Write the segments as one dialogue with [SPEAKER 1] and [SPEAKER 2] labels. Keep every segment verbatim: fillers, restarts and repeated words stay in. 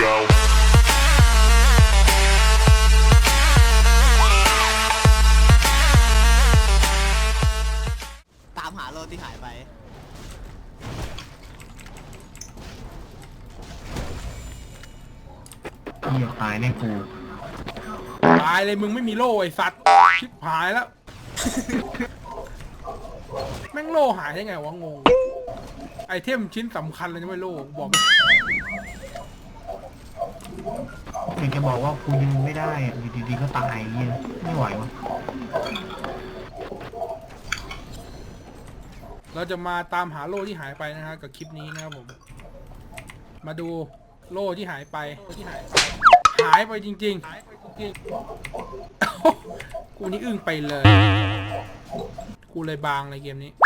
[SPEAKER 1] go.
[SPEAKER 2] ตามหาโลที่หายไป
[SPEAKER 3] เหี้ยตายแน่กู
[SPEAKER 4] ตายเลยมึงไม่มีโล่ไอ้สัตว์ชิบหายแล้ว แม่งโล่หายได้ไงวะงงไอเทมชิ้นสำคัญเลยนะไม่โล่บอก
[SPEAKER 3] อยากจะบอกว่ากูยืนไม่ได้อะอยู่ดีๆก็ตายเหี้ยไม่ไหววะ
[SPEAKER 4] เราจะมาตามหาโล่ที่หายไปนะฮะกับคลิปนี้นะครับผม มาดูโล่ที่หายไปที่หายไปหายไปจริงๆหายไปจริงๆ กูนี่อึ้งไปเลย กูเลยบางเลยเกมนี้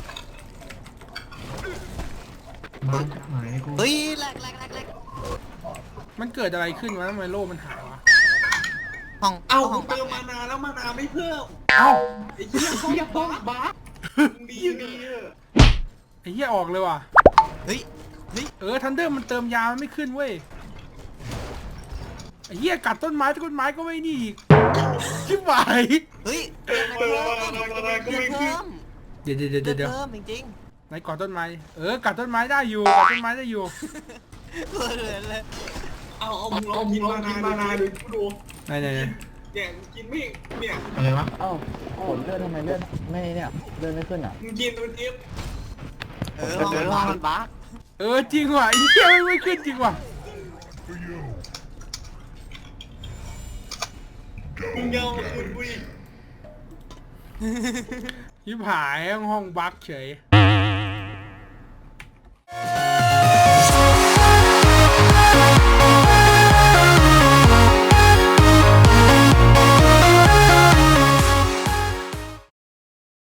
[SPEAKER 3] บ้านหายเลยกู
[SPEAKER 2] เฮ้ยแหลกแหลกแหลกแหลก
[SPEAKER 4] มันเกิดอะไรขึ้นวะทำไมโล่มันหายวะ
[SPEAKER 2] ห้อง
[SPEAKER 5] เอา
[SPEAKER 2] ห้อง
[SPEAKER 5] เติมมานาแล้วมานาไม่เพิ่ม
[SPEAKER 4] เอ้า
[SPEAKER 5] ไอ้เหี้ยเขาบ้าบ้าดีดีเออ
[SPEAKER 4] ไอ้เหี้ยออกเลยว่ะ
[SPEAKER 2] เฮ้ยเฮ้ย
[SPEAKER 4] เออทันเดอร์มันเติมยามันไม่ขึ้นเว้ยไอ้เหี้ยกัดต้นไม้ต้นไม้ก็ไม่นี่อีกชิบหาย
[SPEAKER 2] เฮ้ย
[SPEAKER 5] เติมมานามานาก็
[SPEAKER 2] เลือ
[SPEAKER 5] ไม่
[SPEAKER 2] ด
[SPEAKER 5] ขึ้น
[SPEAKER 2] เพิ่ม
[SPEAKER 4] เดี๋ยวเดี๋ยว
[SPEAKER 2] เลื
[SPEAKER 4] เดี๋
[SPEAKER 2] อด
[SPEAKER 4] ยวเดี๋ยว
[SPEAKER 2] เพิ่มจริง
[SPEAKER 4] ไหนกัดต้นไม้เออกัดต้นไม้ได้อยู่กัดต้นไม้ได้อยู่
[SPEAKER 2] ๆเลือดเลย
[SPEAKER 5] เอาเอามึงลองกินมานามานาดูกูดู
[SPEAKER 4] ไหนไหนไหน
[SPEAKER 5] เนี่ยกินไม่เนี่ย
[SPEAKER 3] อะไรวะ
[SPEAKER 6] เอ้าผลเลือดทำไมเลือดไม่เนี่ยเลือดไม่ขึ้นอ่ะ
[SPEAKER 5] มึงกินตัวเจี๊ยบ
[SPEAKER 2] เออห้องห้องมันบั๊ก
[SPEAKER 4] เออจริงว่ะไอ้เหี้ยไม่ขึ้นจริงว่ะ
[SPEAKER 5] มึงยาวมาคืนกูอีก
[SPEAKER 4] ชิบหายห้องบั๊กเฉย